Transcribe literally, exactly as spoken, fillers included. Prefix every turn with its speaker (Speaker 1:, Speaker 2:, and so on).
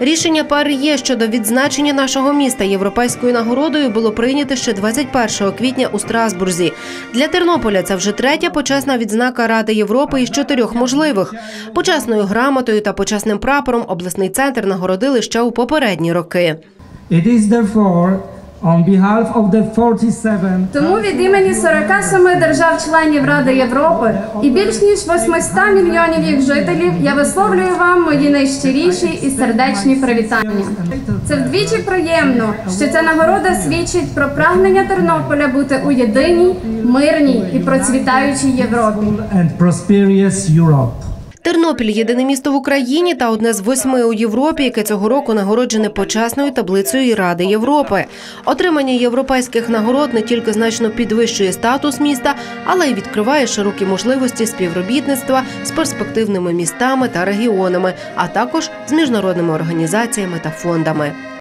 Speaker 1: Рішення ПАРЄ щодо відзначення нашого міста європейською нагородою було прийнято ще двадцять першого квітня у Страсбурзі. Для Тернополя це вже третя почесна відзнака Ради Європи із чотирьох можливих. Почесною грамотою та почесним прапором обласний центр нагородили ще у попередні роки.
Speaker 2: It is therefore on behalf of the forty-seven
Speaker 3: Тому від імені сорока семи держав-членів Ради Європи і більш ніж восьмисот мільйонів їх жителів я висловлюю вам мої найщиріші і сердечні привітання. Це вдвічі приємно, що ця нагорода свідчить про прагнення Тернополя бути у єдиній, мирній і процвітаючій Європі.
Speaker 2: and prosperous Europe.
Speaker 1: Тернопіль – єдине місто в Україні та одне з восьми у Європі, яке цього року нагороджене почесною таблицею Ради Європи. Отримання європейських нагород не тільки значно підвищує статус міста, але й відкриває широкі можливості співробітництва з перспективними містами та регіонами, а також з міжнародними організаціями та фондами.